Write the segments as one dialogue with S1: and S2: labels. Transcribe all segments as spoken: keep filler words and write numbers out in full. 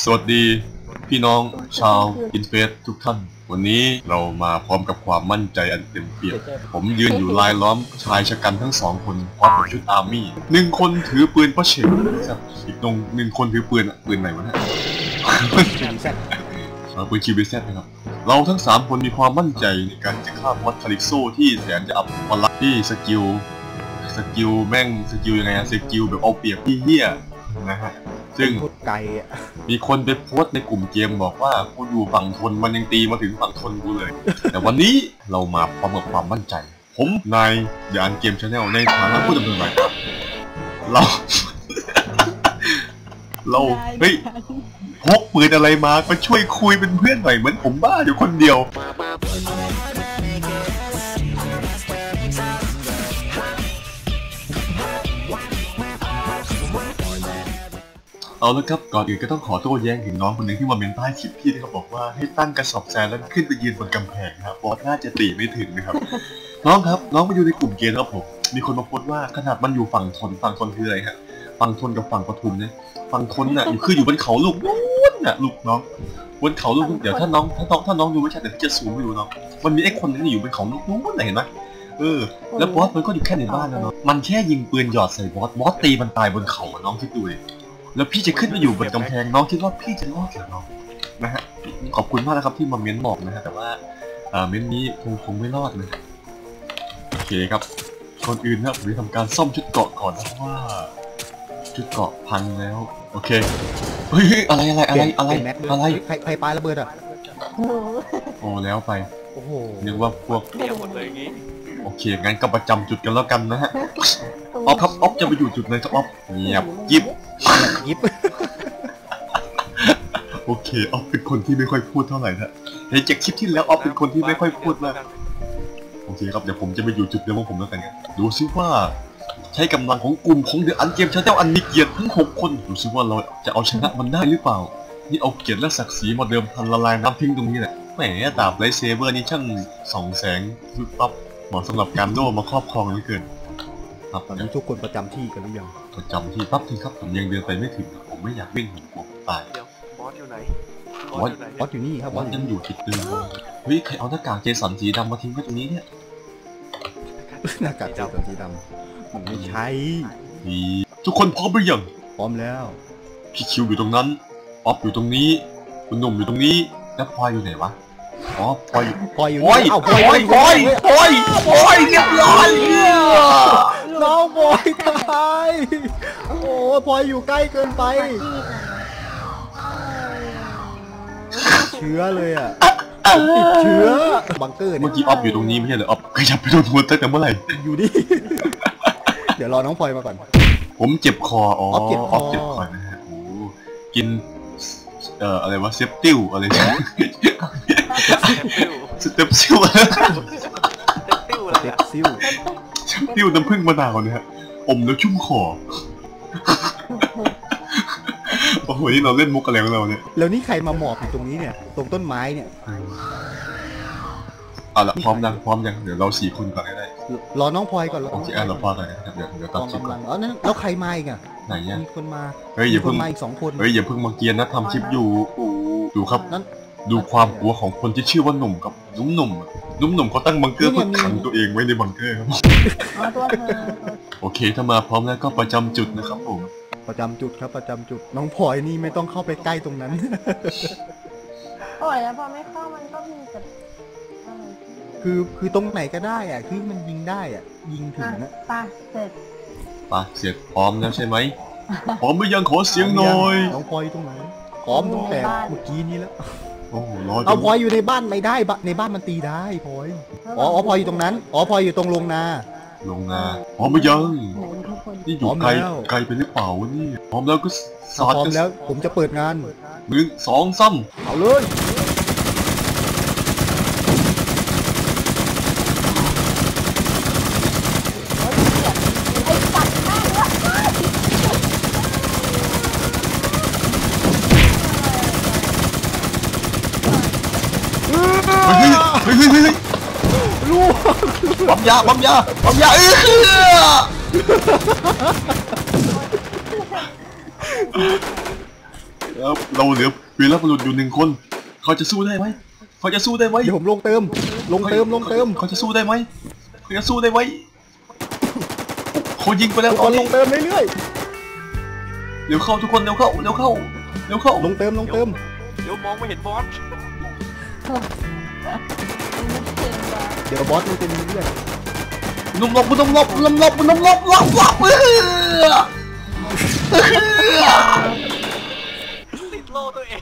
S1: สวัสดีพี่น้องชาวอินเฟสทุกท่านวันนี้เรามาพร้อมกับความมั่นใจอันเต็มเปี่ยมผมยืนอยู่ลายล้อมชายชะกันทั้งสองคนพร้อมกับชุดอาร์มี่หนึ่งคนถือปืนประเฉดอีกตรงหนึ่งคนถือปืนปืนไหนวะเนี่ยปืนคิวบีแซดนะครับเราทั้งสามคนมีความมั่นใจในการจะฆ่ามอสคาริโซที่แสนจะอับปลักที่สกิลสกิลแม่งสกิลยังไงอะสกิลแบบเอาเปรียบพี่เหี้ยนะฮะซึ่งมีคนไปโพสต์ในกลุ่มเกมบอกว่ากูอยู่ฝั่งทนมันยังตีมาถึงฝั่งทนกูเลยแต่วันนี้เรามาพร้อมกับความมั่นใจผมนายยานเกมชาแนลในฐานะผู้ดำเนินรายการเราเราเฮ้ยพกปืนอะไรมามาช่วยคุยเป็นเพื่อนหน่อยเหมือนผมบ้าอยู่คนเดียวเอาละครับก่อนอื่นก็ต้องขอโต้แย้งถึงน้องคนหนึ่งที่มาเมนใต้คลิปพี่ที่เขาบอกว่าให้ตั้งกระสอบทรายแล้วขึ้นไปยืนบนกำแพงครับบอสน่าจะตีไม่ถึงนะครับน้องครับน้องมาอยู่ในกลุ่มเกมครับผมมีคนมาโพสต์ว่าขนาดมันอยู่ฝั่งทนฝั่งทนคืออะไรฮะฝั่งทนกับฝั่งปทุมเนี่ยฝั่งทนน่ะอยู่คืออยู่บนเขาลูกนู้นน่ะลูกน้องบนเขาลูกเดี๋ยวถ้าน้องถ้าน้องถ้าน้องดูไม่ชัดเดี๋ยวจะซูมให้ดูน้องมันมีไอ้คนนึงอยู่บนเขาลูกนู้นเห็นไหมเออแล้วบอสมันก็อยู่แค่ในบ้านนะเนาะมันแค่ยิงปืนหยอดใส่บอสบอสตีมันตายบนเขาน้องคิดดูดิแล้วพี่จะขึ้นไปอยู่บนกำแพงน้องคิดว่าพี่จะรอดหรือน้องนะฮะขอบคุณมากนะครับที่มาเม้นบอกนะฮะแต่ว่าเม้นนี้คงคงไม่รอดเลยโอเคครับก่อนอื่นนะผมจะทำการซ่อมชุดเกราะก่อนเพราะว่าชุดเกราะพังแล้วโอเคเฮ้ยอะไรอะไรอะไรอะไรอะไร
S2: ใครใครปาระเบิดอ่ะ
S1: โอ้แล้วไป
S2: โอ้โห
S1: นึกว่าพวก
S3: เดียวหมดเลยงี้
S1: โอเคงั้นก็ประจำจุดกันแล้วกันนะฮะออฟครับออฟจะไปอยู่จุดไหนครับออฟเงียบยิบ
S2: ยิบ
S1: โอเคออฟเป็นคนที่ไม่ค่อยพูดเท่าไหร่นะในจากคลิปที่แล้วออฟเป็นคนที่ไม่ค่อยพูดมากโอเคครับเดี๋ยวผมจะไปอยู่จุดเดิมของผมแล้วกันครับดูซิว่าใช้กำลังของกลุ่มของเดอะอันเกมชาแนลอันมีเกียรติทั้งหกคนดูซิว่าเราจะเอาชนะมันได้หรือเปล่านี่เอาเกียรติและศักดิ์ศรีมาเดิมพันละลายน้ำทิ้งตรงนี้แหละแหมดาบไลท์เซเบอร์นี่ช่างส่องแสงยุบปั๊บเหมาะสำหรับการโล่มาครอบครองเหลือเกิน
S2: ครับตอนนี้ทุกคนประจำที่กันหรือยัง
S1: ประจำที่ปั๊บทีครับผมยังเดินไปไม่ถึงผมไม่อยากวิ่งผมกลัวตาย
S3: เดี๋ยวบอสอยู่ไหน
S1: บอส
S2: บอสอยู่นี่ครับ
S1: บอสยังอยู่ติดตึงเฮ้ยใครเอาหน้ากากเจสันสีดำมาทิ้งไว้ตรงนี้เนี่ย
S2: หน้ากากเจสันสีดำมันไม่ใช่
S1: ทุกคนพร้อมหรือยัง
S2: พร้อมแล้ว
S1: พี่คิวอยู่ตรงนั้นออฟอยู่ตรงนี้คุณหนุ่มอยู่ตรงนี้แล้วพลอยอยู่ไหนวะอ๋อพลอย
S2: พลอยอยู่
S1: พลอยพลอยพลอยพลอยพลอยเรียบร้อย
S2: น้องพลอยตายโอ้พลอยอยู่ใกล้เกินไปเชื้อเลยอ่ะติดเชื้อบังเกอร์
S1: เมื่อกี้ออฟอยู่ตรงนี้ไม่ใช่เหรอออฟขยับไปโดนหัวตั้งแต่เมื่อไหร่
S2: อยู่ดิเดี๋ยวรอน้องพลอยมาก่อน
S1: ผมเจ็บคออ๋อออฟเจ็บคอนะฮะโอ้กินเอ่ออะไรวะเซปติลอะไรเนี่ยสเต็ปซิลอะไร
S3: สเต็ปซิลอะไร
S2: เซปซิล
S1: เซปติลน้ำผึ้งมะนาวเนี่ยอมแล้วชุ่มคอโอ้โหนี่เราเล่นมุกอะไรของเราเนี่ย
S2: แล้วนี่ใครมาหมอบอยู่ตรงนี้เนี่ยตรงต้นไม้เนี่ย
S1: เอาละพร้อมยังพร้อมยังเดี๋ยวเราสี่คนก่อนก็ได้
S2: รอน้องพลอยก่อน
S1: โอเคอ่ะเราพอกันนะครับเดี๋ยวเดี๋ยวตัดคลิปก่อน
S2: อ๋อนั่นแล้วใครมาอีกอ่ะ
S1: ไหนเนี่ย
S2: มีคนมา
S1: เฮ้ยอย่าเพิ่ง
S2: มาอีกสองคน
S1: เฮ้ยอย่าเพิ่งมาเกียนนะทำคลิปอยู่ดูครับดูความกลัวของคนที่ชื่อว่าหนุ่มกับนุ่มหนุ่มนุ่มหนุ่มเขาตั้งบังเกอร์เพื่อขังตัวเองไว้ในบังเกอร์ครับโอเคถ้ามาพร้อมแล้วก็ประจำจุดนะครับผม
S2: ประจำจุดครับประจำจุดน้องพลอยนี่ไม่ต้องเข้าไปใกล้ตรงนั้น
S4: โอ้ยแล้วพอไม่เข้ามันก็มีแต่
S2: คือคือตรงไหนก็ได้อ่ะคือมันยิงได้อ่ะยิงถึงนะ
S4: ปะเสร็จ
S1: ปะเสร็จพร้อมแล้วใช่ไหมพร้อมหรือยังขอเสียงหน่อย
S2: น้องพลอยตรงไหนพร้อมตั้งแต่เมื่อกี้นี้แล้ว
S1: โอ้โหรอ
S2: เอาพลอยอยู่ในบ้านไม่ได้ในบ้านมันตีได้พลอยอ๋อพลอยอยู่ตรงนั้นอ๋อพลอยอยู่ตรงโรงนา
S1: โรงนาพร้อมหรือยังนี่อยู่ไกลไกลไปหรือเปล่านี่พร้อมแล้วก็
S2: สาดพร้อมแล้วผมจะเปิดงาน
S1: หนึ่งสองซ้
S2: ำเอาเลย
S1: เฮ้ยเฮ้ยเฮ้ยลูกปั๊มยาปั๊มยาปั๊มยาเออ
S2: เ
S1: แล้วเราเหลือวีรบุรุษอยู่หนึ่งคนเขาจะสู้ได้ไหมเขาจะสู้ได้ไหม
S2: เดี๋ยวผมลงเติม ลงเติมลงเติม
S1: เขาจะสู้ได้ไหมเขาจะสู้ได้ไหมเขายิงไปแล้ว
S2: ทุก
S1: ต
S2: ค
S1: อน
S2: นล
S1: นี้
S2: งเติมเรื่อย
S1: เร็วเข้าทุกคนเร็วเข้าเร็วเข้าเร็วเข้า
S2: ๆลงเติมลงเติม
S3: เดี๋ยวมองไม่เห็นบอส
S2: เดี๋ยวบอสมันเป็นเรื่อย
S1: นุ่มลบนุ่มลบนุ่มลบนุ่มลบลบลบเออ
S3: ติดโล่ตัวเอง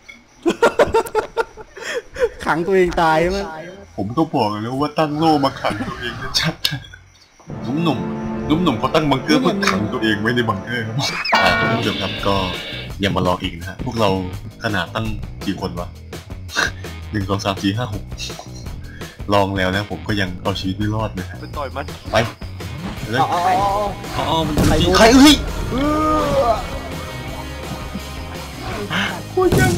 S2: ขังตัวเองตายใช่ไหม
S1: ผมก็บอกแล้วว่าตั้งโล่มาขังตัวเองชัดๆนุ่มหนุ่มนุ่มหนุ่มเขาตั้งบังเกอร์เพื่อขังตัวเองไว้ในบังเกอร์ครับท่านผู้ชมครับก็อย่ามาลองอีกนะฮะพวกเราขนาดตั้งกี่คนวะหนึ่งสองสามสี่ห้าหกลองแล้วนะผมก็ยังเอาชีวิตไม่รอดเลยฮะ
S3: ไปต่อยมัน
S1: ไปเลย
S2: เอาเอาเอาเอา
S1: อ๋อมันใครใครเอ้ย
S2: เออโอ้ยยัง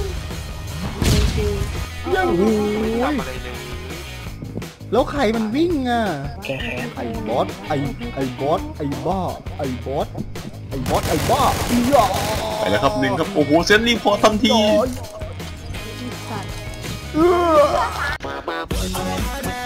S2: ยังโอ้ย
S3: ทำอะไรเลย
S2: แล้วใครมันวิ่งอ่ะ
S3: แค่แค่
S2: ไอ้บอสไอ้ไอ้บอสไอ้บ้าไอ้บอสไอ้บอสไอ้บ้าอีหยอ
S1: ไปแล้วครับหนึ่งครับโอ้โหเซนรีพอร์ตทันที
S2: เออ